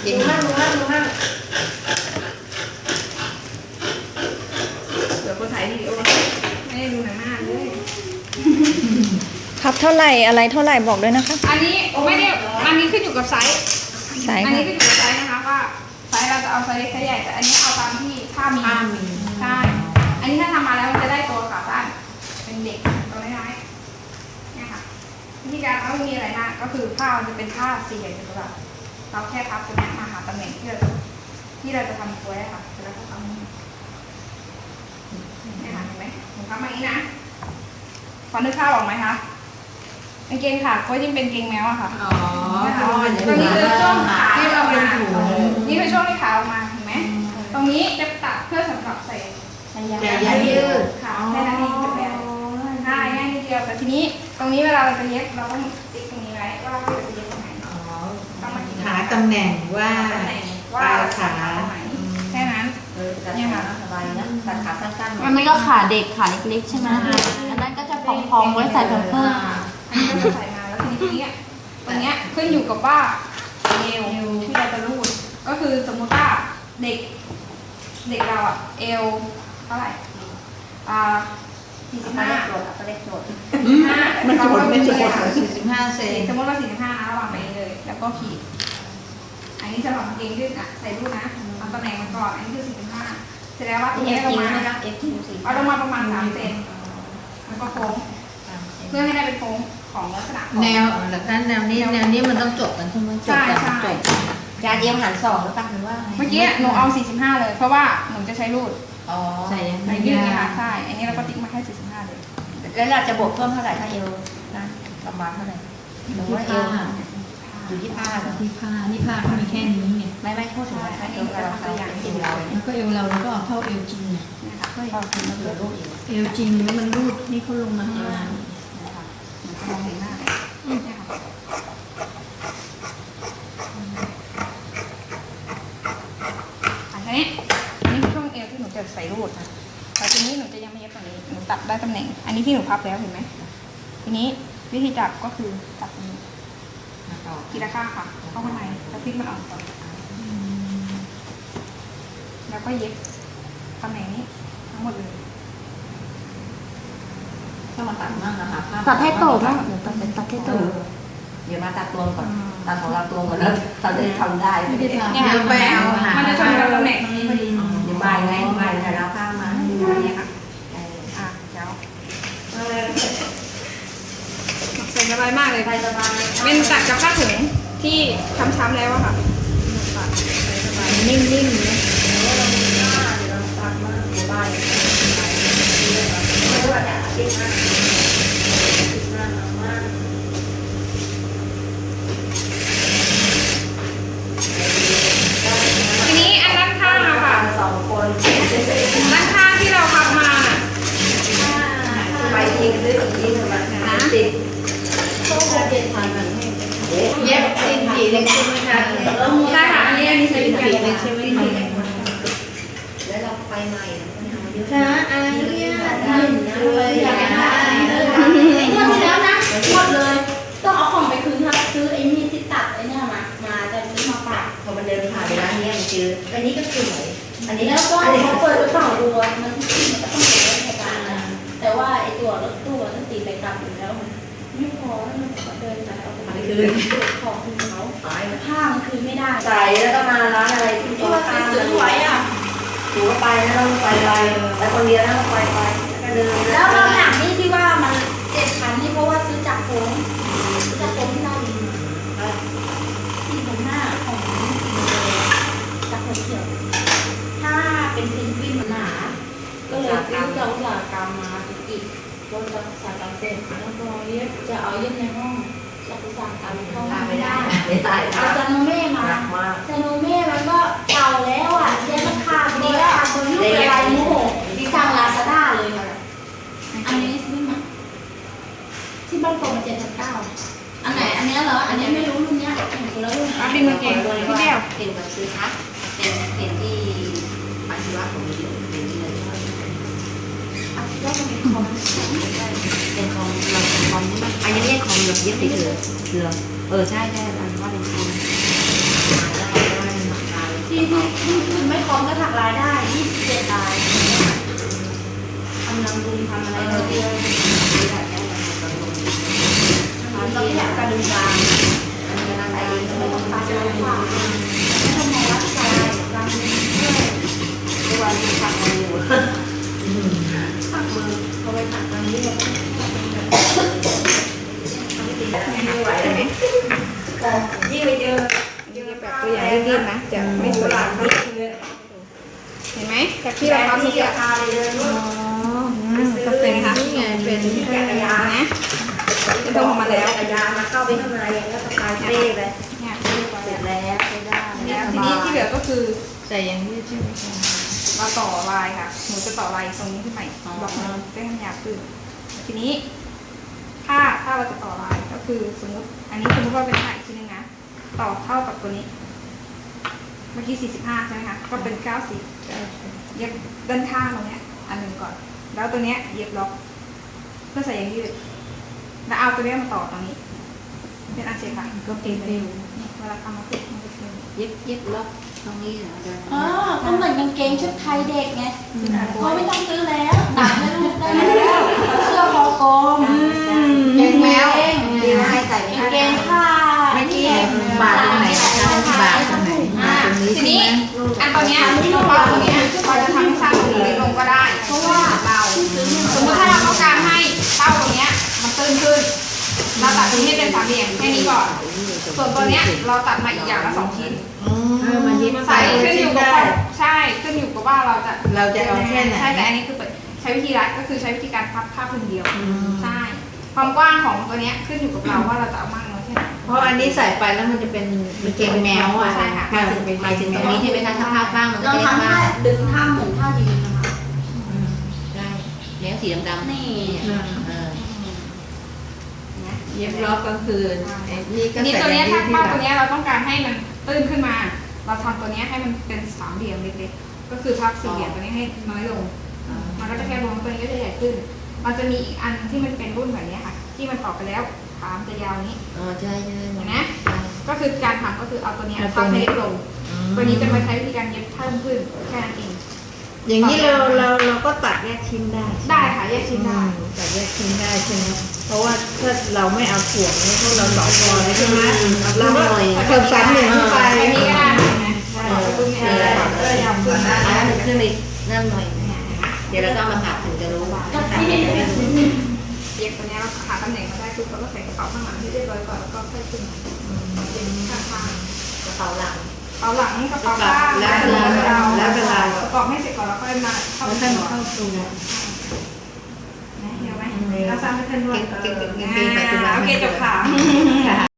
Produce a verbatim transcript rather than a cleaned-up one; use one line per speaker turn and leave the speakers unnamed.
จริงมากมากมาก
เดี๋ยวคนถ่ายวิดีโอไม่ได้ดูหนังหน้าเลย
พับเท่าไหร่อะไรเท่าไหร่บอกด้วยนะคะ
อันนี้ไม่ได้อันนี้ขึ้นอยู่กับไซส์
ไซส์
อันนี้ขึ้นอยู่กับไซส์นะคะว่าไซส์เราจะเอาไซส์เล็กไซส์ใหญ่แต่อันนี้เอาตามที่ผ้ามีใช่อันนี้ถ้าทำมาแล้วมันจะได้ตัวขาสั้นเป็นเด็กตัวน้อยๆเนี่ยค่ะวิธีการไม่มีอะไรมากก็คือผ้ามันจะเป็นผ้าสี่เหลี่ยมจัตุรัสเราแค่พับตรงนี้มาหาตำแหน่งที่เราที่เราจะทำตัวได้ค่ะแล้วก็ทำเนี่ยค่ะเห็นไหมหนูทำมาอย่างนี้นะพอนึกภาพออกไหมคะกางเกงขาก็ยิ่งเป็นเกงแมวอะค่ะ
อ๋อ
ตรงนี้คือช่วงขาที่เราเป็นถุงนี่คือช่วงที่ขาออกมาเห็นไหมตรงนี้จะตัดเพื่อสำหรับใส่
ยายืด
ค่ะแค่นั้นเองจบแล้วใช่ง่ายนิดเดียวแต่ทีนี้ตรงนี้เวลาเราจะเย็บเราต้องติ๊กตรงนี้ไว้ว่าเราจะเย็บตรงไหน
หาตำแหน่งว่า
ปลายขาแค่นั้น
เนี่ยค่ะสบายนะตัดขาสั้นๆ
มันก็ขาเด็กขาเล็กๆใช่ไหมอันนั้นก็จะพองๆไว้ใส่เพิ่มเพิ่ม
อันนี้ก็จะใส่มาแล้วทีนี้ตรงนี้ขึ้นอยู่กับว่าเอวที่เราจะรูดก็คือสมมุติว่าเด็กเด็กเราอะเอวเท่าไหร่อ่าสี่สิบห้า
โจทย์ตัวเลขโจทย์
ห้า
มันโจทย์ไม่โจทย์สี่สิบห้าเซน
สมมติว่าสี่สิบห้านะระหว่างไปเลยแล้วก็ขีดอันนี้จะหลอกเกงขึ้นอ่ะใส่รูดนะเอาตำแหน่งมันก่อนอันนี้คือสี่สิบห้าเสร็จแล้วว่าตรงนี้ลงมาเอาลงมาประมาณสามเซนแล้วก็โค้งเพื่อให้ได้เป็นโค้งของลักษณะ
แนวแบบนั้นแนวนี้แนวนี้มันต้องจบกันใช่ไหมจบกันจบ
ยาเดียวหันสองหรือเปล่าหรือว่า
เมื่อกี้หนูเอาสี่สิบห้าเลยเพราะว่าหนูจะใช้รูด
อ๋อ
ใส่ใส่ยืดนะคะใช่อันนี้เราก็ติ๊กมาแค่สี่สิบห้าเลย
แล้วเราจะบวกเพิ่มเท่าไหร่ถ้าเอวนะประมาณเท่าไหร่หรือว่าเอวอยู่ที่ผ้า
ที่ผ้านี่ผ้าเขามีแค่นี้ไง
ไม่ไม่พูดถึงว่าถ้าเอวเราเราอย่างเอวเรา
แล้วก็เอวเราแล้วก็เท่าเอวจริงเนี่ย
ก็เอวจริงมันเหลือรูด
เอวจริงแล้วมันรูดนี่เขาลงมาข้างล่าง
มองเห็นหน้าเนี่ยค่ะอันนี้อันนี้คือช่วงเอวที่หนูจะใส่รูดนะแต่ทีนี้หนูจะยังไม่เย็บตรงนี้หนูตัดได้ตำแหน่งอันนี้ที่หนูพับแล้วเห็นไหมทีนี้วิธีจับก็คือจับตรงนี้ทีละข้างค่ะเข้าข้างในแล้วพลิกมันออกก่อนแล้วก็เย็บตำแหน่งนี้ทั้งหมดเลย
ถ้ามาตัดมากนะคะ
ตัดให้โตบ้างเดี๋ยวตัดตัดให้โต
เดี๋ยวมาตัดตัวก่อนตัดของเราตัวก่อนแล้วเราจะทำได้ไม่ได้ทำ
เนี่ยไปเอามันจะชนกับตำแหน่งนี้พอดี
เดี๋ยวมาไงมาแต่เราข้ามมา
เนี่ยค่ะอ่ะเดี๋ยวใส่สบายมากเลยสบายเป็นตัดกับผ้าถุงที่ช้ำๆแล้วอะค่ะ
นิ่มๆนะ
ทีนี้อันด้านข้างอะค่ะสองคนด้านข้างที่เราพับมา
ไปยิงด้วยอีกทีนะติดเย็บสิ้นผีเล็กใช่ไหมคะ
ใช่ค่ะอันนี้อันนี้ใช้สิ้นผีเล็กใช่ไหม
แล้วเราไปใหม่
ค่ะอันนี้เลยอยากได้หมดแล้วนะหมดเลยต้องเอาของไปคืนค่ะซื้อไอ้นี่ที่ตัดไอ้นี่มามาจะซื้อมาฝาก
พอมันเดินผ่านไปร้านนี้มันเจออันนี้ก็คือ
อันนี้แล้วก็เขาเปิดกระเป๋าดูมันมันก็ต้องเป็นรถการนะแต่ว่าไอ้ตัวรถตู้ต้องตีไปกลับอยู่แล้วไม่พอแล้วมันก็เดินไปเอาไปคืนของคืนเขาผ้ามันคืนไม่ได้
ใส่แล้วก็มาร้านอะไรที่ตัวข้าง
สวยอ่ะ
ถือว่าไปแล้วเราไปไปแต่คนเดียวแล้วไปไป
แล้วเราหนักนี่ที่ว่ามันเจ็ดพันนี่เพราะว่าซื้อจากโค้งซื้อจากโค้งที่เราดีที่ตรงหน้าของจากโค้งเขียวถ้าเป็นเพนกวินหนาก็เลยซื้อจากอุตสาหกรรมมาอีกก็จะอุตสาหกรรมเสร็จแล้วก็เย็บจะเอาเย็บในห้องจากอุตสาหกรรมเข้าไม่ได้เอาจานโนเม่มาจานโนเม่มันก็เก่าแล้วอ่ะเย็บราคาดีแล้วบนลูกอะไรโม่ที่สั่งลาซาด้าเลยอันนี้ซื้อมาที่บ้านโป่งเจ็ดพันเก้าอันไหนอันนี้เหรออันนี้ไม่รู้รุ่นเนี้ยเห็นแล้วรุ่น
อันนี้มันเก่งพี่แก้ว
เก่งแบบซื้อทักเป็นเป็นที่อาชีวะของมีอยู่เป็นที่เลย
อาชีวะของมีคอม
เป็นคอมเราคอมนี่มันอันนี้เรียกคอมแบบเย็บเฉยๆเหรอเออใช่ใช่อันว่าเป็นคอม
รายได้ยี่สิบเจ็ดรายทำนำดุงทำอะไรก็เยอะเราไม่อยากกระดุมกลางอะไรไม่ต้องตาจะไม่ว่าไม่ต้องมองว่าใจกลางด้วยวันที่ทำอะไรอยู่ผักมือเอาไปผักตรงนี้เลยไม่ไหวเลยยิ่งไปเจอ
ยืดแบบตัวใหญ่รีบๆนะจะไม่สวยงามเห็นไหมจากที่เราทำที่ราคาเลยเลย
ก็เป็นนี่ไงเป็น
จักรยานนะจะต้องมาแล้ว
จักรยานมาเข้าไปข้างในแล้วสะพายเป้เลย
เนี่ยเรียบร้อย
เสร็
แล้
จ
ว
แล้วใช้ได้
เนี่ยทีนี้ที่เหลือก็คือ
ใส่อย่างนี้ใช่ไหมคะ
เราต่อลายค่ะหนูจะต่อลายตรงนี้ขึ้นใหม่บล็อกนึงได้ให้มันยาวขึ้นทีนี้ ถ้าถ้าเราจะต่อลายก็คือสมมติ อันนี้สมมติว่าเป็นลายอีกชิ้นนึงนะต่อเท่ากับตัวนี้ เมื่อกี้สี่สิบห้าใช่ไหมคะก็เป็นเก้าสิบเย็บด้านข้างตรงเนี้ยอันหนึ่งก่อน แล้วตัวเนี้ยเย็บล็อกเพื่อใส่ยางยืดแล้วเอาตัวเนี้ยมาต่อตรงนี้ เป็นอันเสร็จค่ะก็เต็มเร็วเวลาทำมาติดมันก็เต็ม
เย็บเย็บล็อกตรงนี้เหรอเดิน
อ๋อก็เหมือนกางเกงชุดไทยเด็กไงเขาไม่ต้องซื้อแล้วหนังให้ลูกได้แล้วเสื้อคอกลม
เก่งแมว
ดีว่าให้ใส่
กางเกงผ้า
เมื่อกี้บาทตรงไหนคะบาทตรงไหน
อ่า
ตรงนี้
ที
ใช่
นี้
ไหม
อันตัวเนี้ยเราปาตัวเนี้ยเราจะทำให้สั้นลงเล็กลงก็ได้ เพราะว่าเราสมมติถ้าเราต้องการให้เป้าตรงเนี้ยมันตื้นขึ้น เราตัดตรงนี้ให้เป็นสามเหลี่ยมแค่นี้ก่อน ส่วนตัวเนี้ยเราตัดมาอีกอย่างละสองชิ้น
เออมันเย็บ
ใส่ขึ้นอยู่กับว่าใช่ขึ้นอยู่กับว่าเราจะ
เราจะเอาแค่ไหน
ใช่แต่อันนี้คือใช้วิธีรัดก็คือใช้วิธีการพับผ้าพื้นเดียวใช่ความกว้างของตัวเนี้ยขึ้นอยู่กับเราว่าเราจะเอามากน้อยแค่ไหน
เพราะอันนี้ใส่ไปแล้วมันจะเป็นมันเกงแมวอ่ะ
ใช่ค่ะ
มันจะเป็น
หมายถึงตรงนี้ใช่ไหมคะถ้าภาพบ้างมันก็
เรา
จะ
ทำ
บ้า
ท่าง ดึงท่าเหมือนท่ายืนนะคะ
ได้เนี้ยสีดำๆ
นี่
เออ
เย็บล็อกก็คือไอ้นี่ก็
ทีนี้
ใส่
ตัวเนี้ย
ยื
ถ้า
ดที่
เป้า
หลั
ตัว
ง
เนี้ยเราต้องการให้มันตื้นขึ้นมา เราทำตัวเนี้ยให้มันเป็นสามเหลี่ยมเล็กๆก็คือพับสี่เหลี่ยมตัวนี้ให้น้อยลง มันก็จะแค่รวมตัวนี้ก็จะใหญ่ขึ้น มันจะมีอีกอันที่มันเป็นรุ่นแบบนี้ค่ะ ที่มันต่อไปแล้วขามจะยาวนี้
อ๋อใช่ใช่
เห็นไหมก็คือการทำก็คือเอาตัวเนี้ยพับให้เล็กลง ตัวนี้จะมาใช้วิธีการเย็บเพิ่มขึ้นแค่นั้นเอง
อย่างนี้เราเราเราก็ตัดแยกชิ้นได้
ได้ค่ะแยกชิ้นได้
อืมตัดแยกชิ้นได้ใช่ไหมเพราะว่าถ้าเราไม่เอาถ่วงเนี่ยพวกเราต่อคอเลยใช่ไหมเราก็เพิ่มชั้นหนึ่งขึ้นไป
ใช้นี้ก็ได้นะใช่รุ่นนี้ได้เออยาวขึ้นได้
อันนั้นขึ้นไปนั่นหน่อยเดี๋ยวเราต้องมาผัดถึงจะรู้ว่า
ก็ที่
เย็บตัวเนี้ยเราหาตำแหน่งมาได้ปุ๊บเราก็ใส่กระเป๋าข้างหลังให้เรียบร้อยก่อนแล้วก็ค่อยขึ้นมาเย็บข้างๆ
กระเป๋าหลัง
กระเป๋าหลังกระเป๋าข้าง
แล้วเวลาแล้วเวลา
ประกอบให้เสร็จก่อนแล้วค่อยมาเข้า
แล้ว
ไป
ท่าน
ต่อ
เข้าตัว
เห็นไหมเราสร้างให้ท่านด้วย
เก่งๆๆๆๆปัจจุบัน
โอเคจบค่ะ